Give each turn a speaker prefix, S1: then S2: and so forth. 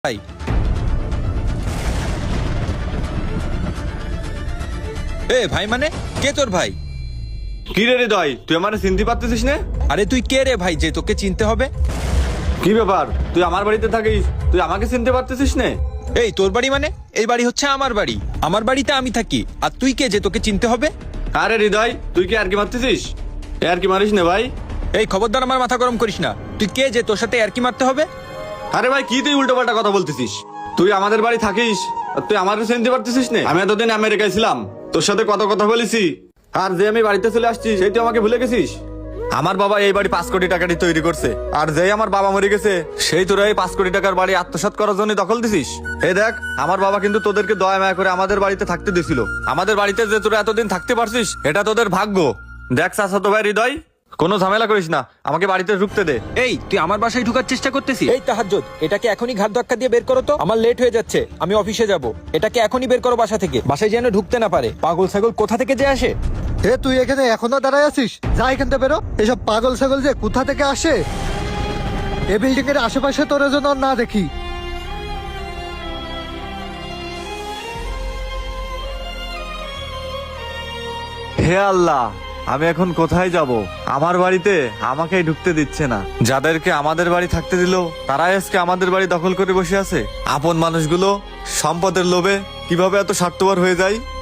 S1: ভাই ভাই মানে কে তোর ভাই?
S2: কি রে হৃদয়, তুই আমার চিনতে পারতেছিস না?
S1: আরে তুই কে রে ভাই যে তোকে চিনতে হবে?
S2: কি ব্যাপার, তুই আমার বাড়িতে থাকিস, তুই আমাকে চিনতে পারতেছিস না?
S1: তোর বাড়ি মানে? এই বাড়ি হচ্ছে আমার বাড়ি, আমার বাড়িতে আমি থাকি। আর তুই কে যে তোকে চিনতে হবে?
S2: আরে হৃদয়, তুই কি আর কি মারতেছিস? আর কি মারিস না ভাই?
S1: খবরদার আমার মাথা গরম করিস না। তুই কে যে তোর সাথে আর কি মারতে হবে?
S2: আরে ভাই, কি তুই উল্টো পাল্টা কথা বলতেছিস? তুই আমাদের বাড়ি থাকিস আর তুই আমাকে চিনতে পারতেছিস না? আমি এতদিন আমেরিকায় ছিলাম, তোর সাথে কত কথা বলেছি, আর যে আমি বাড়িতে চলে আসছি সেই তুই আমাকে ভুলে গেছিস? আমার বাবা এই বাড়ি 5 কোটি টাকা দিয়ে তৈরি করছে, আর যেই আমার বাবা মরে গেছে সেই তোরা এই 5 কোটি টাকার বাড়ি আত্মসাৎ করার জন্য দখল দিছিস। এই দেখ, আমার বাবা কিন্তু তোদেরকে দয়া মায়া করে আমাদের বাড়িতে থাকতে দিছিল। আমাদের বাড়িতে যে তোরা এতদিন থাকতে পারছিস এটা তোদের ভাগ্য। দেখ চাচাতো ভাই হৃদয়, কোনো ঝামেলা করিস না, আমাকে বাড়িতে ঢুকতে দে।
S1: তুই আমার বাসায় ঢুকার চেষ্টা করতেছিস? তাহাজ্জুদ, এটাকে এখনই ঘাট ধাক্কা দিয়ে বের করো তো, আমার লেট হয়ে যাচ্ছে, আমি অফিসে যাব। এটাকে এখনই বের করো বাসা থেকে, বাসায় যেন ঢুকতে না পারে। পাগল ছাগল কোথা থেকে যে আসে।
S3: তুই এখানে এখনো দাঁড়ায় আছিস? যা এখান থেকে বেরো। এসব পাগল ছাগল যে কোথা থেকে আসে, এ বিল্ডিং এর আশেপাশে তোর যেন না দেখি।
S2: হে আল্লাহ, আমি এখন কোথায় যাব? আমার বাড়িতে আমাকেই ঢুকতে দিচ্ছে না। যাদেরকে আমাদের বাড়ি থাকতে দিল তারাই আজকে আমাদের বাড়ি দখল করে বসে আছে। আপন মানুষগুলো সম্পদের লোভে কিভাবে এত স্বার্থপর হয়ে যায়।